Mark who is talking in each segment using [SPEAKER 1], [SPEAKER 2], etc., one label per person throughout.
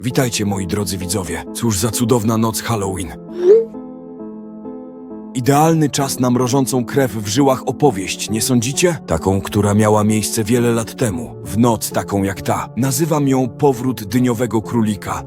[SPEAKER 1] Witajcie, moi drodzy widzowie. Cóż za cudowna noc Halloween. Idealny czas na mrożącą krew w żyłach opowieść, nie sądzicie? Taką, która miała miejsce wiele lat temu. W noc taką jak ta. Nazywam ją Powrót Dyniowego Królika.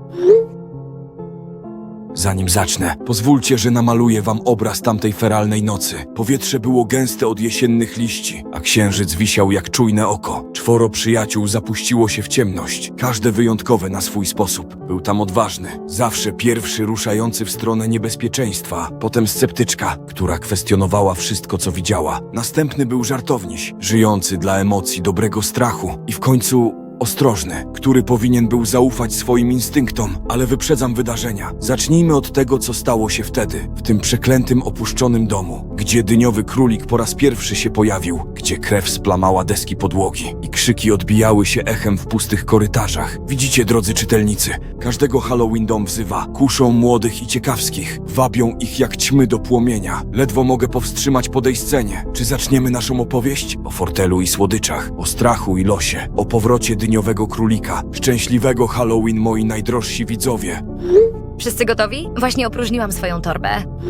[SPEAKER 1] Zanim zacznę, pozwólcie, że namaluję wam obraz tamtej feralnej nocy. Powietrze było gęste od jesiennych liści, a księżyc wisiał jak czujne oko. 4 przyjaciół zapuściło się w ciemność, każde wyjątkowe na swój sposób. Był tam odważny, zawsze pierwszy ruszający w stronę niebezpieczeństwa, potem sceptyczka, która kwestionowała wszystko, co widziała. Następny był żartowniś, żyjący dla emocji, dobrego strachu i w końcu ostrożny, który powinien był zaufać swoim instynktom, ale wyprzedzam wydarzenia. Zacznijmy od tego, co stało się wtedy, w tym przeklętym, opuszczonym domu, gdzie dyniowy królik po raz pierwszy się pojawił, gdzie krew splamała deski podłogi i krzyki odbijały się echem w pustych korytarzach. Widzicie, drodzy czytelnicy, każdego Halloween dom wzywa, kuszą młodych i ciekawskich, wabią ich jak ćmy do płomienia. Ledwo mogę powstrzymać podejście. Czy zaczniemy naszą opowieść? O fortelu i słodyczach, o strachu i losie, o powrocie dyniowego królika. Szczęśliwego Halloween, moi najdrożsi widzowie.
[SPEAKER 2] Wszyscy gotowi? Właśnie opróżniłam swoją torbę.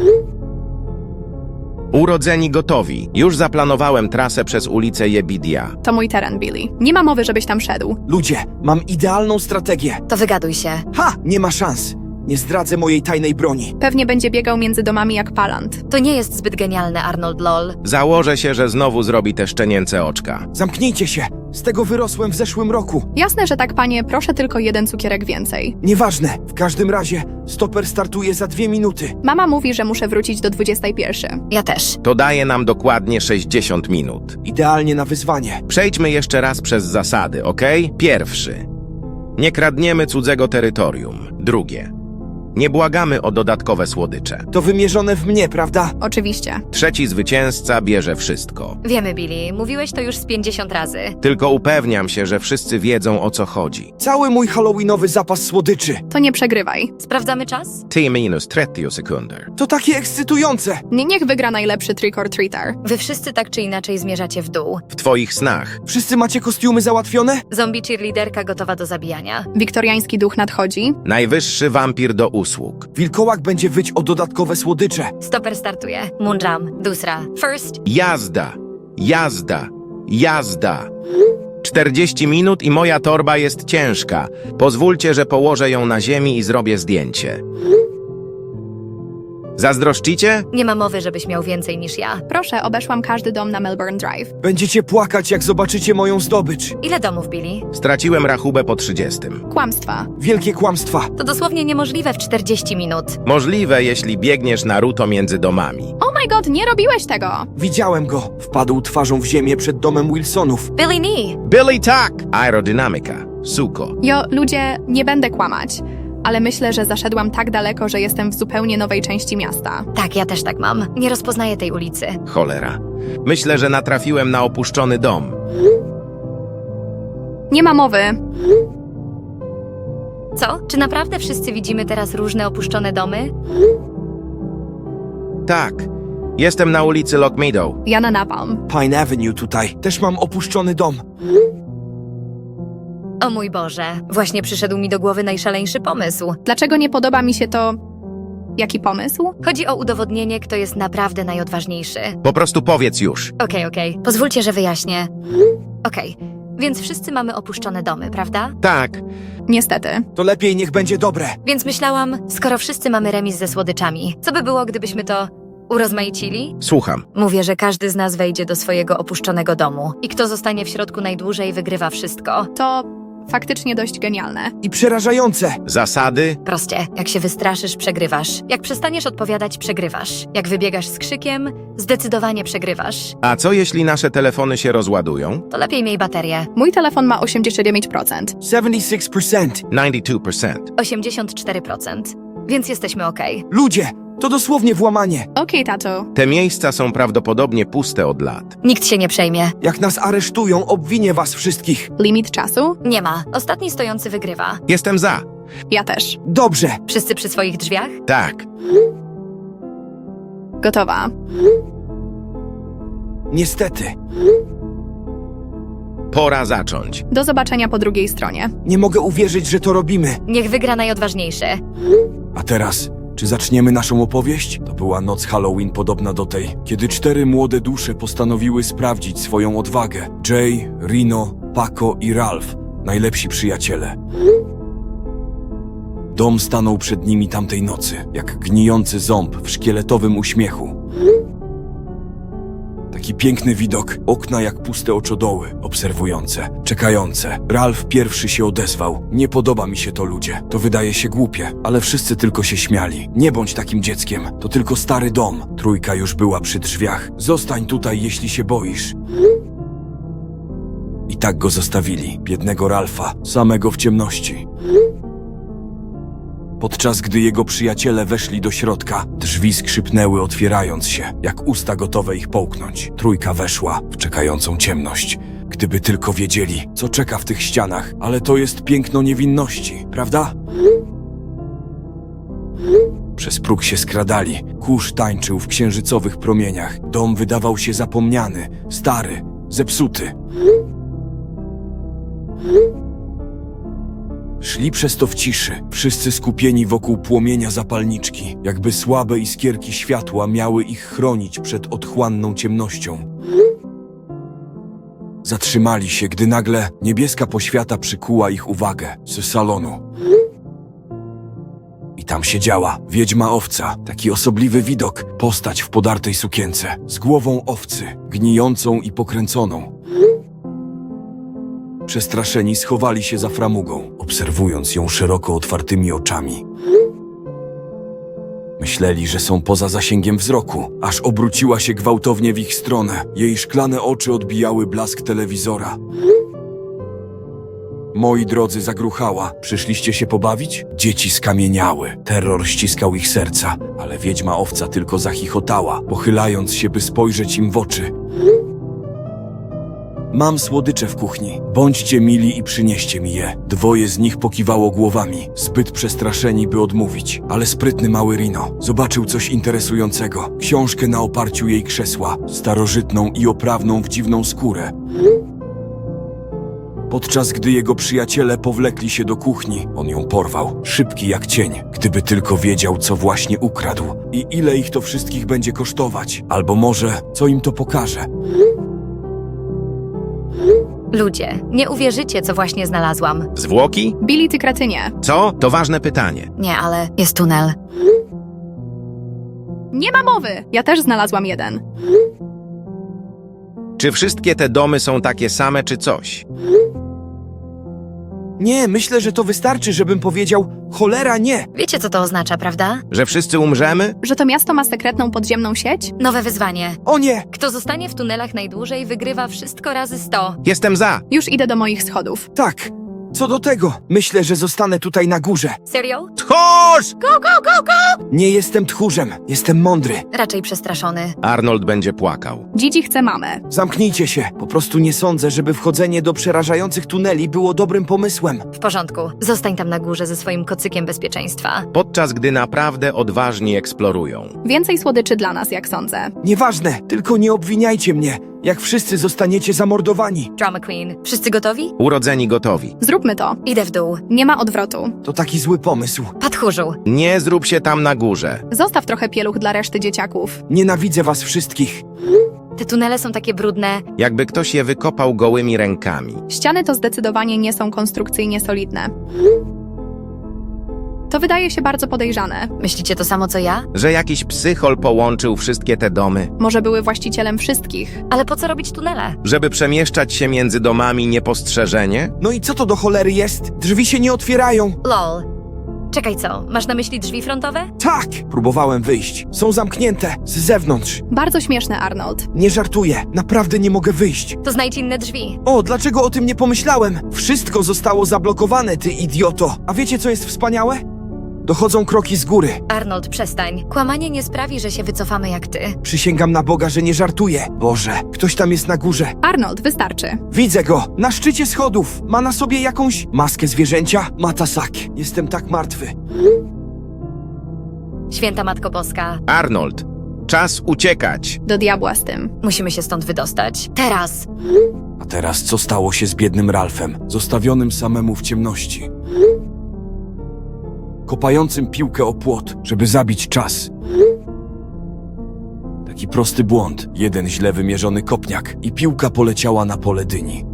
[SPEAKER 3] Urodzeni gotowi. Już zaplanowałem trasę przez ulicę Jebidia.
[SPEAKER 4] To mój teren, Billy. Nie ma mowy, żebyś tam szedł.
[SPEAKER 1] Ludzie, mam idealną strategię.
[SPEAKER 2] To wygaduj się.
[SPEAKER 1] Ha! Nie ma szans. Nie zdradzę mojej tajnej broni.
[SPEAKER 4] Pewnie będzie biegał między domami jak palant.
[SPEAKER 2] To nie jest zbyt genialne, Arnold lol.
[SPEAKER 3] Założę się, że znowu zrobi te szczenięce oczka.
[SPEAKER 1] Zamknijcie się. Z tego wyrosłem w zeszłym roku.
[SPEAKER 4] Jasne, że tak, panie, proszę tylko 1 cukierek więcej.
[SPEAKER 1] Nieważne. W każdym razie stoper startuje za 2 minuty.
[SPEAKER 4] Mama mówi, że muszę wrócić do 21.
[SPEAKER 2] Ja też.
[SPEAKER 3] To daje nam dokładnie 60 minut.
[SPEAKER 1] Idealnie na wyzwanie.
[SPEAKER 3] Przejdźmy jeszcze raz przez zasady, ok? Pierwszy. Nie kradniemy cudzego terytorium. Drugie. Nie błagamy o dodatkowe słodycze.
[SPEAKER 1] To wymierzone w mnie, prawda?
[SPEAKER 4] Oczywiście.
[SPEAKER 3] Trzeci zwycięzca bierze wszystko.
[SPEAKER 2] Wiemy, Billy. Mówiłeś to już z 50 razy.
[SPEAKER 3] Tylko upewniam się, że wszyscy wiedzą, o co chodzi.
[SPEAKER 1] Cały mój halloweenowy zapas słodyczy.
[SPEAKER 4] To nie przegrywaj.
[SPEAKER 2] Sprawdzamy czas?
[SPEAKER 3] T-minus 30 sekunder.
[SPEAKER 1] To takie ekscytujące.
[SPEAKER 4] Niech wygra najlepszy trick or treater.
[SPEAKER 2] Wy wszyscy tak czy inaczej zmierzacie w dół.
[SPEAKER 3] W twoich snach.
[SPEAKER 1] Wszyscy macie kostiumy załatwione?
[SPEAKER 2] Zombie cheerleaderka gotowa do zabijania.
[SPEAKER 4] Wiktoriański duch nadchodzi.
[SPEAKER 3] Najwyższy wampir do usług.
[SPEAKER 1] Wilkołak będzie wyć o dodatkowe słodycze.
[SPEAKER 2] Stoper startuje. Munjam. Dusra. First.
[SPEAKER 3] Jazda, jazda, jazda. 40 minut i moja torba jest ciężka. Pozwólcie, że położę ją na ziemi i zrobię zdjęcie. Zazdroszczycie?
[SPEAKER 2] Nie ma mowy, żebyś miał więcej niż ja.
[SPEAKER 4] Proszę, obeszłam każdy dom na Melbourne Drive.
[SPEAKER 1] Będziecie płakać, jak zobaczycie moją zdobycz.
[SPEAKER 2] Ile domów, Billy?
[SPEAKER 3] Straciłem rachubę po 30.
[SPEAKER 4] Kłamstwa.
[SPEAKER 1] Wielkie kłamstwa.
[SPEAKER 2] To dosłownie niemożliwe w 40 minut.
[SPEAKER 3] Możliwe, jeśli biegniesz Naruto między domami.
[SPEAKER 4] Oh my god, nie robiłeś tego!
[SPEAKER 1] Widziałem go. Wpadł twarzą w ziemię przed domem Wilsonów.
[SPEAKER 2] Billy Nee!
[SPEAKER 3] Billy tak! Aerodynamika. Suko.
[SPEAKER 4] Ludzie, nie będę kłamać. Ale myślę, że zaszedłam tak daleko, że jestem w zupełnie nowej części miasta.
[SPEAKER 2] Tak, ja też tak mam. Nie rozpoznaję tej ulicy.
[SPEAKER 3] Cholera. Myślę, że natrafiłem na opuszczony dom.
[SPEAKER 4] Nie ma mowy.
[SPEAKER 2] Co? Czy naprawdę wszyscy widzimy teraz różne opuszczone domy?
[SPEAKER 3] Tak. Jestem na ulicy Lock Meadow.
[SPEAKER 4] Ja na Napalm.
[SPEAKER 1] Pine Avenue tutaj. Też mam opuszczony dom.
[SPEAKER 2] O mój Boże, właśnie przyszedł mi do głowy najszaleńszy pomysł.
[SPEAKER 4] Dlaczego nie podoba mi się to... Jaki pomysł?
[SPEAKER 2] Chodzi o udowodnienie, kto jest naprawdę najodważniejszy.
[SPEAKER 3] Po prostu powiedz już.
[SPEAKER 2] Okej. Pozwólcie, że wyjaśnię. Okej, więc wszyscy mamy opuszczone domy, prawda?
[SPEAKER 3] Tak.
[SPEAKER 4] Niestety.
[SPEAKER 1] To lepiej niech będzie dobre.
[SPEAKER 2] Więc myślałam, skoro wszyscy mamy remis ze słodyczami, co by było, gdybyśmy to urozmaicili?
[SPEAKER 3] Słucham.
[SPEAKER 2] Mówię, że każdy z nas wejdzie do swojego opuszczonego domu i kto zostanie w środku najdłużej, wygrywa wszystko.
[SPEAKER 4] To faktycznie dość genialne.
[SPEAKER 1] I przerażające.
[SPEAKER 3] Zasady?
[SPEAKER 2] Proście, jak się wystraszysz, przegrywasz. Jak przestaniesz odpowiadać, przegrywasz. Jak wybiegasz z krzykiem, zdecydowanie przegrywasz.
[SPEAKER 3] A co jeśli nasze telefony się rozładują?
[SPEAKER 2] To lepiej miej baterię.
[SPEAKER 4] Mój telefon ma 89%.
[SPEAKER 1] 76%.
[SPEAKER 3] 92%.
[SPEAKER 2] 84%. Więc jesteśmy okej.
[SPEAKER 1] Ludzie, to dosłownie włamanie.
[SPEAKER 4] Okej, tato.
[SPEAKER 3] Te miejsca są prawdopodobnie puste od lat.
[SPEAKER 2] Nikt się nie przejmie.
[SPEAKER 1] Jak nas aresztują, obwinię was wszystkich.
[SPEAKER 4] Limit czasu?
[SPEAKER 2] Nie ma. Ostatni stojący wygrywa.
[SPEAKER 3] Jestem za.
[SPEAKER 4] Ja też.
[SPEAKER 1] Dobrze.
[SPEAKER 2] Wszyscy przy swoich drzwiach?
[SPEAKER 3] Tak.
[SPEAKER 4] Gotowa.
[SPEAKER 1] Niestety.
[SPEAKER 3] Pora zacząć.
[SPEAKER 4] Do zobaczenia po drugiej stronie.
[SPEAKER 1] Nie mogę uwierzyć, że to robimy.
[SPEAKER 2] Niech wygra najodważniejszy.
[SPEAKER 1] A teraz, czy zaczniemy naszą opowieść? To była noc Halloween podobna do tej, kiedy 4 młode dusze postanowiły sprawdzić swoją odwagę. Jay, Rino, Paco i Ralph, najlepsi przyjaciele. Dom stanął przed nimi tamtej nocy, jak gnijący ząb w szkieletowym uśmiechu. Taki piękny widok, okna jak puste oczodoły, obserwujące, czekające. Ralph pierwszy się odezwał. Nie podoba mi się to, ludzie. To wydaje się głupie, ale wszyscy tylko się śmiali. Nie bądź takim dzieckiem, to tylko stary dom. Trójka już była przy drzwiach. Zostań tutaj, jeśli się boisz. I tak go zostawili, biednego Ralpha, samego w ciemności. Podczas gdy jego przyjaciele weszli do środka, drzwi skrzypnęły, otwierając się, jak usta gotowe ich połknąć. Trójka weszła w czekającą ciemność. Gdyby tylko wiedzieli, co czeka w tych ścianach, ale to jest piękno niewinności, prawda? Przez próg się skradali. Kurz tańczył w księżycowych promieniach. Dom wydawał się zapomniany, stary, zepsuty. Szli przez to w ciszy, wszyscy skupieni wokół płomienia zapalniczki, jakby słabe iskierki światła miały ich chronić przed otchłanną ciemnością. Zatrzymali się, gdy nagle niebieska poświata przykuła ich uwagę z salonu. I tam siedziała wiedźma owca, taki osobliwy widok, postać w podartej sukience, z głową owcy, gnijącą i pokręconą. Przestraszeni schowali się za framugą, obserwując ją szeroko otwartymi oczami. Myśleli, że są poza zasięgiem wzroku, aż obróciła się gwałtownie w ich stronę. Jej szklane oczy odbijały blask telewizora. Moi drodzy, zagruchała. Przyszliście się pobawić? Dzieci skamieniały. Terror ściskał ich serca, ale wiedźma owca tylko zachichotała, pochylając się, by spojrzeć im w oczy. Mam słodycze w kuchni. Bądźcie mili i przynieście mi je. 2 z nich pokiwało głowami, zbyt przestraszeni, by odmówić. Ale sprytny mały Rino zobaczył coś interesującego. Książkę na oparciu jej krzesła, starożytną i oprawną w dziwną skórę. Podczas gdy jego przyjaciele powlekli się do kuchni, on ją porwał, szybki jak cień. Gdyby tylko wiedział, co właśnie ukradł i ile ich to wszystkich będzie kosztować. Albo może, co im to pokaże.
[SPEAKER 2] Ludzie, nie uwierzycie, co właśnie znalazłam.
[SPEAKER 3] Zwłoki?
[SPEAKER 4] Billy, ty kretynie.
[SPEAKER 3] Co? To ważne pytanie.
[SPEAKER 2] Nie, ale jest tunel.
[SPEAKER 4] Nie ma mowy! Ja też znalazłam jeden.
[SPEAKER 3] Czy wszystkie te domy są takie same, czy coś?
[SPEAKER 1] Nie, myślę, że to wystarczy, żebym powiedział cholera nie.
[SPEAKER 2] Wiecie, co to oznacza, prawda?
[SPEAKER 3] Że wszyscy umrzemy?
[SPEAKER 4] Że to miasto ma sekretną podziemną sieć?
[SPEAKER 2] Nowe wyzwanie.
[SPEAKER 1] O nie!
[SPEAKER 2] Kto zostanie w tunelach najdłużej, wygrywa wszystko razy 100.
[SPEAKER 3] Jestem za.
[SPEAKER 4] Już idę do moich schodów.
[SPEAKER 1] Tak, co do tego, myślę, że zostanę tutaj na górze.
[SPEAKER 2] Serio?
[SPEAKER 3] Tchórz!
[SPEAKER 1] Nie jestem tchórzem, jestem mądry.
[SPEAKER 2] Raczej przestraszony.
[SPEAKER 3] Arnold będzie płakał.
[SPEAKER 4] Gigi chce mamę.
[SPEAKER 1] Zamknijcie się. Po prostu nie sądzę, żeby wchodzenie do przerażających tuneli było dobrym pomysłem.
[SPEAKER 2] W porządku. Zostań tam na górze ze swoim kocykiem bezpieczeństwa.
[SPEAKER 3] Podczas gdy naprawdę odważni eksplorują.
[SPEAKER 4] Więcej słodyczy dla nas, jak sądzę.
[SPEAKER 1] Nieważne, tylko nie obwiniajcie mnie, jak wszyscy zostaniecie zamordowani.
[SPEAKER 2] Drama Queen. Wszyscy gotowi?
[SPEAKER 3] Urodzeni gotowi.
[SPEAKER 4] Zróbmy to.
[SPEAKER 2] Idę w dół.
[SPEAKER 4] Nie ma odwrotu.
[SPEAKER 1] To taki zły pomysł.
[SPEAKER 2] Patchórzu.
[SPEAKER 3] Nie zrób się tam na górze.
[SPEAKER 4] Zostaw trochę pieluch dla reszty dzieciaków.
[SPEAKER 1] Nienawidzę was wszystkich.
[SPEAKER 2] Te tunele są takie brudne.
[SPEAKER 3] Jakby ktoś je wykopał gołymi rękami.
[SPEAKER 4] Ściany to zdecydowanie nie są konstrukcyjnie solidne. To wydaje się bardzo podejrzane.
[SPEAKER 2] Myślicie to samo, co ja?
[SPEAKER 3] Że jakiś psychol połączył wszystkie te domy.
[SPEAKER 4] Może były właścicielem wszystkich.
[SPEAKER 2] Ale po co robić tunele?
[SPEAKER 3] Żeby przemieszczać się między domami niepostrzeżenie?
[SPEAKER 1] No i co to do cholery jest? Drzwi się nie otwierają.
[SPEAKER 2] Lol. Czekaj, co? Masz na myśli drzwi frontowe?
[SPEAKER 1] Tak! Próbowałem wyjść. Są zamknięte, z zewnątrz.
[SPEAKER 4] Bardzo śmieszne, Arnold.
[SPEAKER 1] Nie żartuję, naprawdę nie mogę wyjść.
[SPEAKER 2] To znajdź inne drzwi.
[SPEAKER 1] O, dlaczego o tym nie pomyślałem? Wszystko zostało zablokowane, ty idioto. A wiecie, co jest wspaniałe? Dochodzą kroki z góry.
[SPEAKER 2] Arnold, przestań. Kłamanie nie sprawi, że się wycofamy jak ty.
[SPEAKER 1] Przysięgam na Boga, że nie żartuję. Boże, ktoś tam jest na górze.
[SPEAKER 4] Arnold, wystarczy.
[SPEAKER 1] Widzę go, na szczycie schodów. Ma na sobie jakąś maskę zwierzęcia. Matasak. Jestem tak martwy.
[SPEAKER 2] Święta Matko Boska.
[SPEAKER 3] Arnold, Czas uciekać.
[SPEAKER 4] Do diabła z tym.
[SPEAKER 2] Musimy się stąd wydostać. Teraz!
[SPEAKER 1] A teraz co stało się z biednym Ralphem, zostawionym samemu w ciemności? Kopającym piłkę o płot, żeby zabić czas. Taki prosty błąd, jeden źle wymierzony kopniak i piłka poleciała na pole dyni.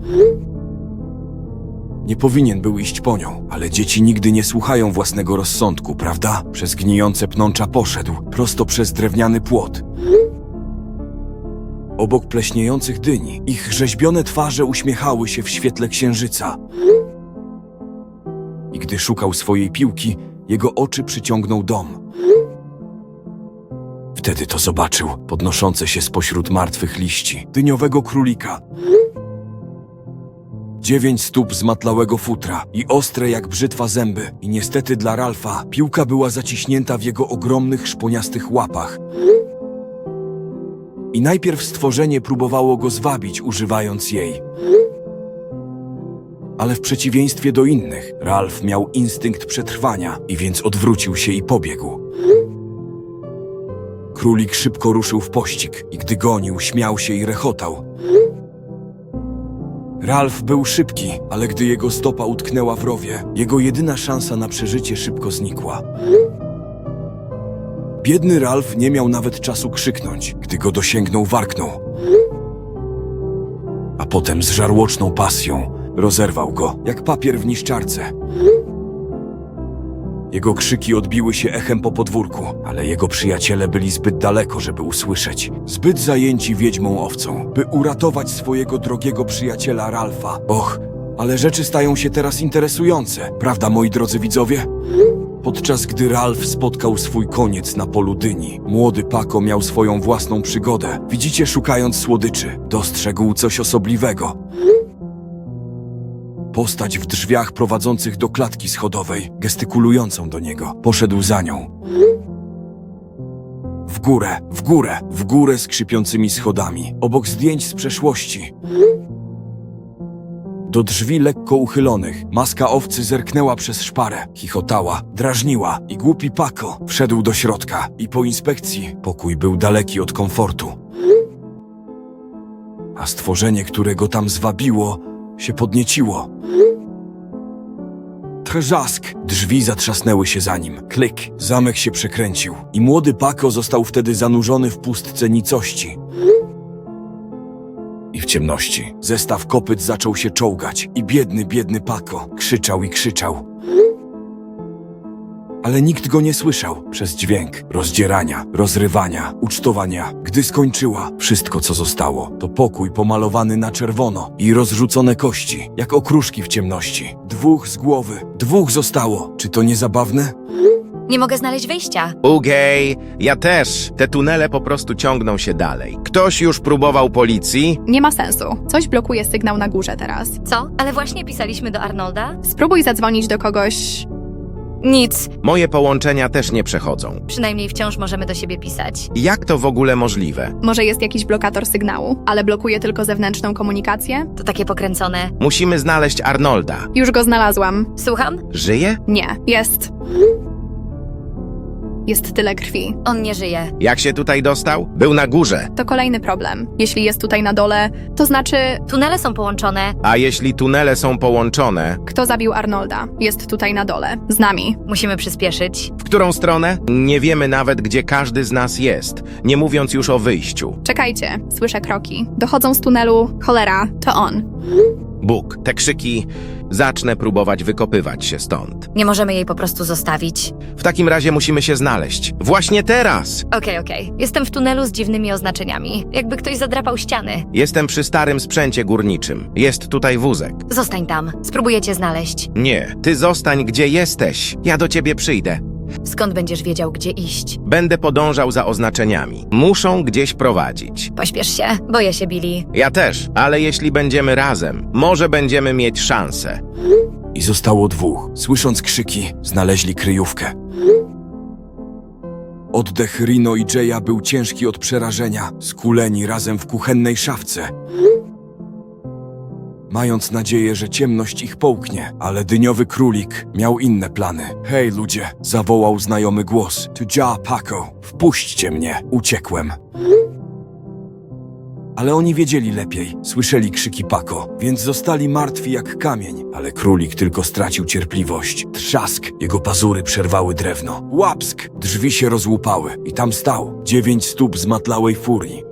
[SPEAKER 1] Nie powinien był iść po nią, ale dzieci nigdy nie słuchają własnego rozsądku, prawda? Przez gnijące pnącza poszedł, prosto przez drewniany płot. Obok pleśniejących dyni, ich rzeźbione twarze uśmiechały się w świetle księżyca. I gdy szukał swojej piłki, jego oczy przyciągnął dom. Wtedy to zobaczył, podnoszące się spośród martwych liści, dyniowego królika. 9 stóp zmatlałego futra i ostre jak brzytwa zęby. I niestety dla Ralfa piłka była zaciśnięta w jego ogromnych, szponiastych łapach. I najpierw stworzenie próbowało go zwabić, używając jej. Ale w przeciwieństwie do innych, Ralf miał instynkt przetrwania i więc odwrócił się i pobiegł. Królik szybko ruszył w pościg i gdy gonił, śmiał się i rechotał. Ralf był szybki, ale gdy jego stopa utknęła w rowie, jego jedyna szansa na przeżycie szybko znikła. Biedny Ralf nie miał nawet czasu krzyknąć, gdy go dosięgnął, warknął. A potem z żarłoczną pasją rozerwał go, jak papier w niszczarce. Jego krzyki odbiły się echem po podwórku, ale jego przyjaciele byli zbyt daleko, żeby usłyszeć. Zbyt zajęci wiedźmą owcą, by uratować swojego drogiego przyjaciela Ralfa. Och, ale rzeczy stają się teraz interesujące, prawda, moi drodzy widzowie? Podczas gdy Ralf spotkał swój koniec na polu dyni, młody Paco miał swoją własną przygodę. Widzicie, szukając słodyczy, dostrzegł coś osobliwego. Postać w drzwiach prowadzących do klatki schodowej, gestykulującą do niego. Poszedł za nią. W górę, w górę, w górę skrzypiącymi schodami, obok zdjęć z przeszłości. Do drzwi lekko uchylonych, maska owcy zerknęła przez szparę, chichotała, drażniła i głupi Paco wszedł do środka i po inspekcji pokój był daleki od komfortu. A stworzenie, które go tam zwabiło, się podnieciło. Trzask! Drzwi zatrzasnęły się za nim. Klik! Zamek się przekręcił i młody Paco został wtedy zanurzony w pustce nicości. I w ciemności zestaw kopyt zaczął się czołgać i biedny Paco krzyczał i krzyczał. Ale nikt go nie słyszał przez dźwięk rozdzierania, rozrywania, ucztowania. Gdy skończyła, wszystko co zostało to pokój pomalowany na czerwono i rozrzucone kości, jak okruszki w ciemności. 2 z głowy, 2 zostało. Czy to nie zabawne?
[SPEAKER 2] Nie mogę znaleźć wyjścia.
[SPEAKER 3] Ugej, ja też. Te tunele po prostu ciągną się dalej. Ktoś już próbował policji?
[SPEAKER 4] Nie ma sensu. Coś blokuje sygnał na górze teraz.
[SPEAKER 2] Co? Ale właśnie pisaliśmy do Arnolda?
[SPEAKER 4] Spróbuj zadzwonić do kogoś.
[SPEAKER 2] Nic.
[SPEAKER 3] Moje połączenia też nie przechodzą.
[SPEAKER 2] Przynajmniej wciąż możemy do siebie pisać.
[SPEAKER 3] Jak to w ogóle możliwe?
[SPEAKER 4] Może jest jakiś blokator sygnału, ale blokuje tylko zewnętrzną komunikację?
[SPEAKER 2] To takie pokręcone.
[SPEAKER 3] Musimy znaleźć Arnolda.
[SPEAKER 4] Już go znalazłam.
[SPEAKER 2] Słucham?
[SPEAKER 3] Żyje?
[SPEAKER 4] Nie, jest. Jest tyle krwi.
[SPEAKER 2] On nie żyje.
[SPEAKER 3] Jak się tutaj dostał? Był na górze.
[SPEAKER 4] To kolejny problem. Jeśli jest tutaj na dole, to znaczy,
[SPEAKER 2] Tunele są połączone.
[SPEAKER 3] A jeśli tunele są połączone,
[SPEAKER 4] kto zabił Arnolda? Jest tutaj na dole. Z nami.
[SPEAKER 2] Musimy przyspieszyć.
[SPEAKER 3] w którą stronę? Nie wiemy nawet, gdzie każdy z nas jest, nie mówiąc już o wyjściu.
[SPEAKER 4] Czekajcie, słyszę kroki. Dochodzą z tunelu. Cholera, to on.
[SPEAKER 3] Bóg, te krzyki... Zacznę próbować wykopywać się stąd.
[SPEAKER 2] Nie możemy jej po prostu zostawić.
[SPEAKER 3] W takim razie musimy się znaleźć. Właśnie teraz!
[SPEAKER 2] Okej. Jestem w tunelu z dziwnymi oznaczeniami. Jakby ktoś zadrapał ściany.
[SPEAKER 3] Jestem przy starym sprzęcie górniczym. Jest tutaj wózek.
[SPEAKER 2] Zostań tam. Spróbuję cię znaleźć.
[SPEAKER 3] Nie, ty zostań gdzie jesteś. Ja do ciebie przyjdę.
[SPEAKER 2] Skąd będziesz wiedział, gdzie iść?
[SPEAKER 3] Będę podążał za oznaczeniami. Muszą gdzieś prowadzić.
[SPEAKER 2] Pośpiesz się. Boję się, Billy.
[SPEAKER 3] Ja też, ale jeśli będziemy razem, może będziemy mieć szansę.
[SPEAKER 1] I zostało 2. Słysząc krzyki, znaleźli kryjówkę. Oddech Rino i Jaya był ciężki od przerażenia, skuleni razem w kuchennej szafce. mając nadzieję, że ciemność ich połknie, ale dyniowy królik miał inne plany. Hej ludzie, zawołał znajomy głos. To ja, Paco. Wpuśćcie mnie. Uciekłem. Ale oni wiedzieli lepiej, słyszeli krzyki Paco, więc zostali martwi jak kamień. Ale królik tylko stracił cierpliwość. Trzask, jego pazury przerwały drewno. Łapsk! Drzwi się rozłupały i tam stał 9 stóp zmatlałej furii.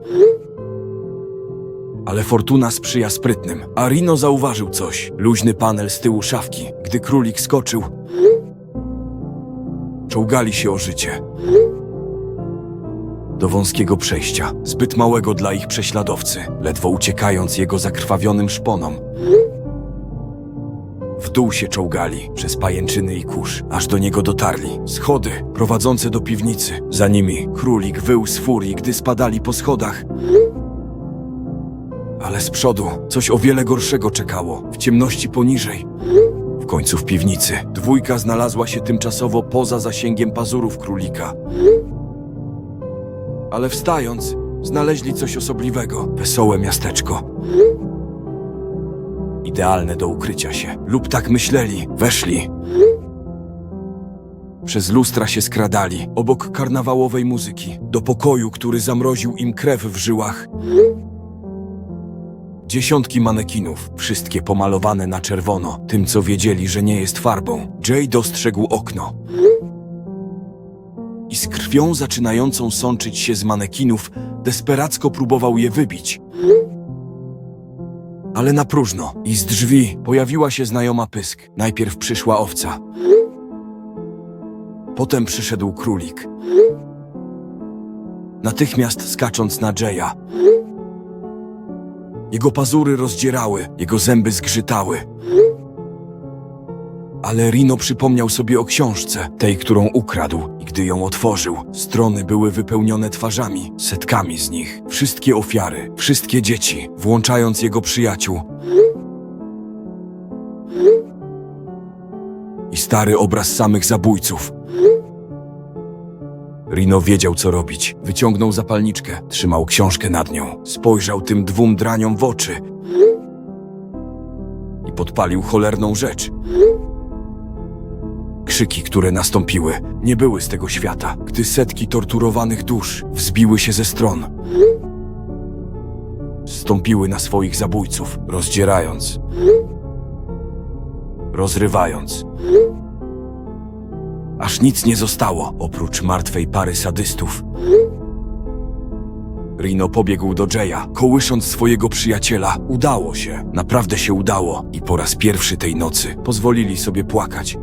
[SPEAKER 1] Ale fortuna sprzyja sprytnym, a Rino zauważył coś. Luźny panel z tyłu szafki. Gdy królik skoczył, czołgali się o życie. Do wąskiego przejścia, zbyt małego dla ich prześladowcy, ledwo uciekając jego zakrwawionym szponom. W dół się czołgali, przez pajęczyny i kurz, aż do niego dotarli. Schody prowadzące do piwnicy. Za nimi królik wył z furii, gdy spadali po schodach. Ale z przodu coś o wiele gorszego czekało, w ciemności poniżej. W końcu w piwnicy dwójka znalazła się tymczasowo poza zasięgiem pazurów królika. Ale wstając, znaleźli coś osobliwego. Wesołe miasteczko. Idealne do ukrycia się. Lub tak myśleli. Weszli. Przez lustra się skradali, obok karnawałowej muzyki, do pokoju, który zamroził im krew w żyłach. Dziesiątki manekinów, wszystkie pomalowane na czerwono, tym co wiedzieli, że nie jest farbą. Jay dostrzegł okno. I z krwią zaczynającą sączyć się z manekinów, desperacko próbował je wybić. Ale na próżno. I z drzwi pojawiła się znajoma pysk. Najpierw przyszła owca. Potem przyszedł królik. Natychmiast skacząc na Jaya. Jego pazury rozdzierały, jego zęby zgrzytały. Ale Rino przypomniał sobie o książce, tej, którą ukradł, i gdy ją otworzył, strony były wypełnione twarzami, setkami z nich. Wszystkie ofiary, wszystkie dzieci, włączając jego przyjaciół. I stary obraz samych zabójców. Rino wiedział, co robić. Wyciągnął zapalniczkę, trzymał książkę nad nią, spojrzał tym dwóm draniom w oczy i podpalił cholerną rzecz. Krzyki, które nastąpiły, nie były z tego świata, gdy setki torturowanych dusz wzbiły się ze stron. Zstąpiły na swoich zabójców, rozdzierając, rozrywając. Aż nic nie zostało, oprócz martwej pary sadystów. Rino pobiegł do Jaya, kołysząc swojego przyjaciela. Udało się, naprawdę się udało. I po raz pierwszy tej nocy pozwolili sobie płakać.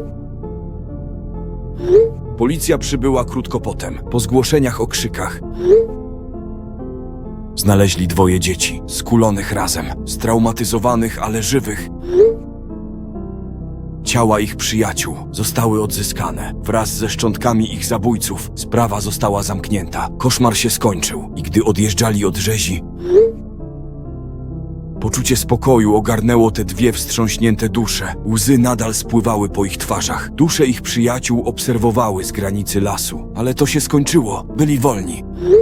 [SPEAKER 1] Policja przybyła krótko potem, po zgłoszeniach o krzykach. Znaleźli 2 dzieci, skulonych razem, straumatyzowanych, ale żywych. Ciała ich przyjaciół zostały odzyskane. Wraz ze szczątkami ich zabójców sprawa została zamknięta. Koszmar się skończył i gdy odjeżdżali od rzezi, poczucie spokoju ogarnęło te 2 wstrząśnięte dusze. Łzy nadal spływały po ich twarzach. Dusze ich przyjaciół obserwowały z granicy lasu. Ale to się skończyło. Byli wolni.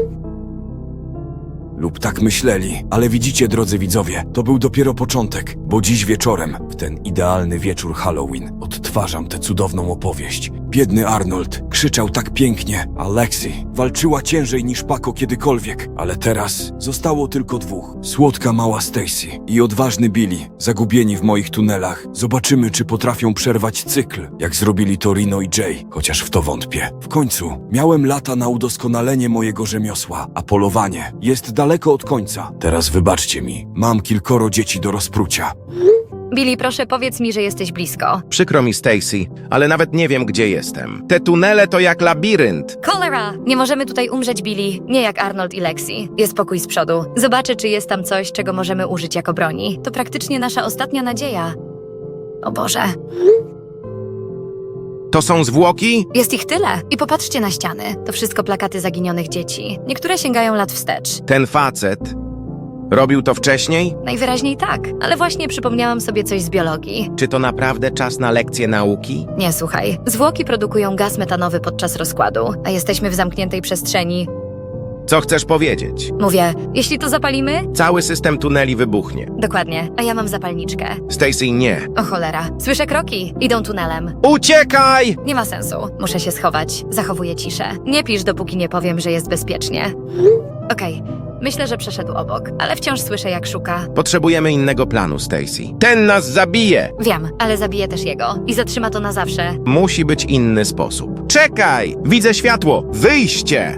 [SPEAKER 1] Lub tak myśleli, ale widzicie, drodzy widzowie, to był dopiero początek, bo dziś wieczorem, w ten idealny wieczór Halloween, odtwarzam tę cudowną opowieść. Biedny Arnold krzyczał tak pięknie, a Lexi walczyła ciężej niż Paco kiedykolwiek, ale teraz zostało tylko 2. Słodka mała Stacy i odważny Billy, zagubieni w moich tunelach. Zobaczymy, czy potrafią przerwać cykl, jak zrobili to Rino i Jay, chociaż w to wątpię. W końcu miałem lata na udoskonalenie mojego rzemiosła, a polowanie jest daleko od końca. Teraz wybaczcie mi, mam kilkoro dzieci do rozprucia.
[SPEAKER 2] Billy, proszę powiedz mi, że jesteś blisko.
[SPEAKER 3] Przykro mi, Stacy, ale nawet nie wiem, gdzie jestem. Te tunele to jak labirynt.
[SPEAKER 2] Cholera! Nie możemy tutaj umrzeć, Billy. Nie jak Arnold i Lexi. Jest pokój z przodu. Zobaczę, czy jest tam coś, czego możemy użyć jako broni. To praktycznie nasza ostatnia nadzieja. O Boże.
[SPEAKER 3] To są zwłoki?
[SPEAKER 2] Jest ich tyle. I popatrzcie na ściany. To wszystko plakaty zaginionych dzieci. Niektóre sięgają lat wstecz.
[SPEAKER 3] Ten facet robił to wcześniej?
[SPEAKER 2] Najwyraźniej tak. Ale właśnie przypomniałam sobie coś z biologii.
[SPEAKER 3] Czy to naprawdę czas na lekcje nauki?
[SPEAKER 2] Nie, słuchaj. Zwłoki produkują gaz metanowy podczas rozkładu, a jesteśmy w zamkniętej przestrzeni.
[SPEAKER 3] Co chcesz powiedzieć?
[SPEAKER 2] Mówię, jeśli to zapalimy?
[SPEAKER 3] Cały system tuneli wybuchnie.
[SPEAKER 2] Dokładnie, a ja mam zapalniczkę.
[SPEAKER 3] Stacy, nie.
[SPEAKER 2] O cholera, słyszę kroki, idą tunelem.
[SPEAKER 3] Uciekaj!
[SPEAKER 2] Nie ma sensu, muszę się schować, zachowuję ciszę. Nie pisz, dopóki nie powiem, że jest bezpiecznie. Okej, myślę, że przeszedł obok, ale wciąż słyszę, jak szuka.
[SPEAKER 3] Potrzebujemy innego planu, Stacy. Ten nas zabije!
[SPEAKER 2] Wiem, ale zabiję też jego i zatrzyma to na zawsze.
[SPEAKER 3] Musi być inny sposób. Czekaj! Widzę światło! Wyjście!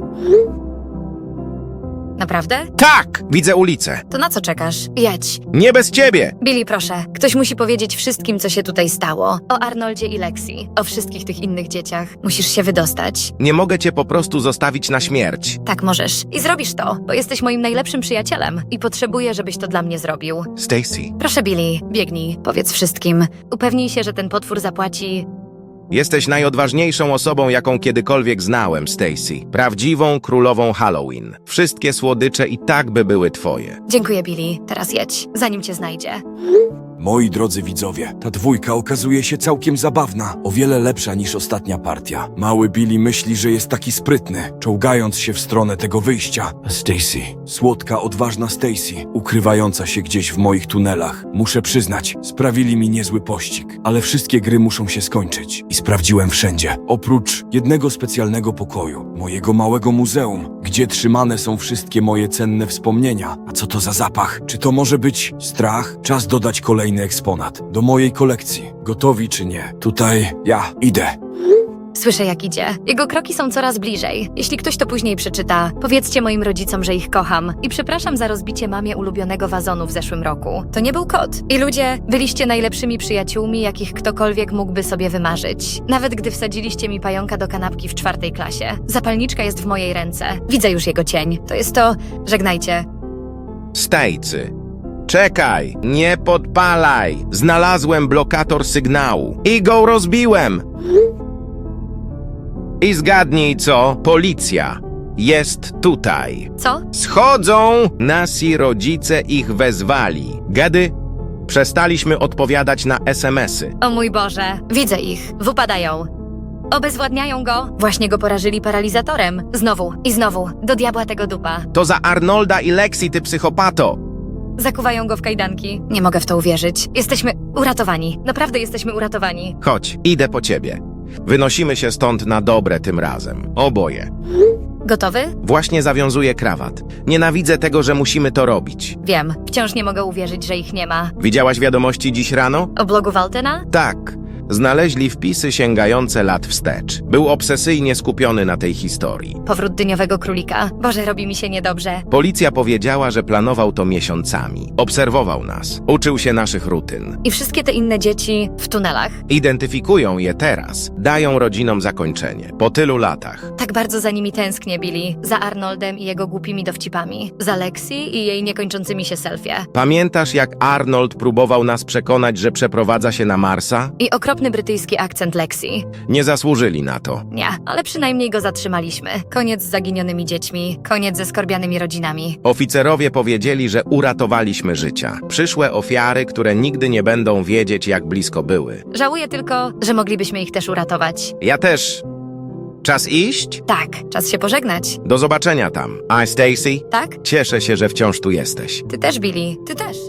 [SPEAKER 2] Naprawdę?
[SPEAKER 3] Tak! Widzę ulicę.
[SPEAKER 2] To na co czekasz? Jedź.
[SPEAKER 3] Nie bez ciebie!
[SPEAKER 2] Billy, proszę, ktoś musi powiedzieć wszystkim, co się tutaj stało. O Arnoldzie i Lexi, o wszystkich tych innych dzieciach. Musisz się wydostać.
[SPEAKER 3] Nie mogę cię po prostu zostawić na śmierć.
[SPEAKER 2] Tak możesz. I zrobisz to, bo jesteś moim najlepszym przyjacielem i potrzebuję, żebyś to dla mnie zrobił.
[SPEAKER 3] Stacy,
[SPEAKER 2] Proszę, Billy, biegnij, powiedz wszystkim. Upewnij się, że ten potwór zapłaci.
[SPEAKER 3] jesteś najodważniejszą osobą, jaką kiedykolwiek znałem, Stacy. Prawdziwą królową Halloween. Wszystkie słodycze i tak by były twoje.
[SPEAKER 2] Dziękuję, Billy. Teraz jedź, zanim cię znajdzie.
[SPEAKER 1] Moi drodzy widzowie, ta dwójka okazuje się całkiem zabawna, o wiele lepsza niż ostatnia partia. Mały Billy myśli, że jest taki sprytny, czołgając się w stronę tego wyjścia. A Stacy, słodka, odważna Stacy, ukrywająca się gdzieś w moich tunelach. Muszę przyznać, sprawili mi niezły pościg, ale wszystkie gry muszą się skończyć. I sprawdziłem wszędzie, oprócz jednego specjalnego pokoju, mojego małego muzeum, gdzie trzymane są wszystkie moje cenne wspomnienia. A co to za zapach? Czy to może być strach? Czas dodać kolejny eksponat do mojej kolekcji. Gotowi czy nie? Tutaj ja idę.
[SPEAKER 2] Słyszę, jak idzie. Jego kroki są coraz bliżej. Jeśli ktoś to później przeczyta, powiedzcie moim rodzicom, że ich kocham. I przepraszam za rozbicie mamie ulubionego wazonu w zeszłym roku. To nie był kot. I ludzie, byliście najlepszymi przyjaciółmi, jakich ktokolwiek mógłby sobie wymarzyć. Nawet gdy wsadziliście mi pająka do kanapki w 4. klasie. Zapalniczka jest w mojej ręce. Widzę już jego cień. To jest to... Żegnajcie.
[SPEAKER 3] Stacy, czekaj! Nie podpalaj! Znalazłem blokator sygnału i go rozbiłem! I zgadnij co? Policja jest tutaj.
[SPEAKER 2] Co?
[SPEAKER 3] Schodzą! Nasi rodzice ich wezwali. Gady, przestaliśmy odpowiadać na SMS-y.
[SPEAKER 2] O mój Boże. Widzę ich. Wypadają. Obezwładniają go. Właśnie go porażyli paralizatorem. Znowu i znowu. Do diabła tego dupa.
[SPEAKER 3] To za Arnolda i Lexi, ty psychopato!
[SPEAKER 2] Zakuwają go w kajdanki. Nie mogę w to uwierzyć. Jesteśmy uratowani. Naprawdę jesteśmy uratowani.
[SPEAKER 3] Chodź, idę po ciebie. Wynosimy się stąd na dobre tym razem. Oboje.
[SPEAKER 2] Gotowy?
[SPEAKER 3] Właśnie zawiązuję krawat. Nienawidzę tego, że musimy to robić.
[SPEAKER 2] Wiem. Wciąż nie mogę uwierzyć, że ich nie ma.
[SPEAKER 3] Widziałaś wiadomości dziś rano?
[SPEAKER 2] O blogu Waltena?
[SPEAKER 3] Tak. Znaleźli wpisy sięgające lat wstecz. Był obsesyjnie skupiony na tej historii.
[SPEAKER 2] Powrót dyniowego królika. Boże, robi mi się niedobrze.
[SPEAKER 3] Policja powiedziała, że planował to miesiącami. Obserwował nas. Uczył się naszych rutyn.
[SPEAKER 2] I wszystkie te inne dzieci w tunelach.
[SPEAKER 3] Identyfikują je teraz. Dają rodzinom zakończenie. Po tylu latach.
[SPEAKER 2] Tak bardzo za nimi tęsknię, Billy. Za Arnoldem i jego głupimi dowcipami. Za Lexi i jej niekończącymi się selfie.
[SPEAKER 3] Pamiętasz, jak Arnold próbował nas przekonać, że przeprowadza się na Marsa?
[SPEAKER 2] I okropny brytyjski akcent Lexi.
[SPEAKER 3] Nie zasłużyli na to.
[SPEAKER 2] Nie, ale przynajmniej go zatrzymaliśmy. Koniec z zaginionymi dziećmi. Koniec ze skorbianymi rodzinami.
[SPEAKER 3] Oficerowie powiedzieli, że uratowaliśmy życia. Przyszłe ofiary, które nigdy nie będą wiedzieć, jak blisko były.
[SPEAKER 2] Żałuję tylko, że moglibyśmy ich też uratować.
[SPEAKER 3] Ja też. Czas iść?
[SPEAKER 2] Tak, czas się pożegnać.
[SPEAKER 3] Do zobaczenia tam. A Stacy?
[SPEAKER 2] Tak?
[SPEAKER 3] Cieszę się, że wciąż tu jesteś.
[SPEAKER 2] Ty też, Billy. Ty też.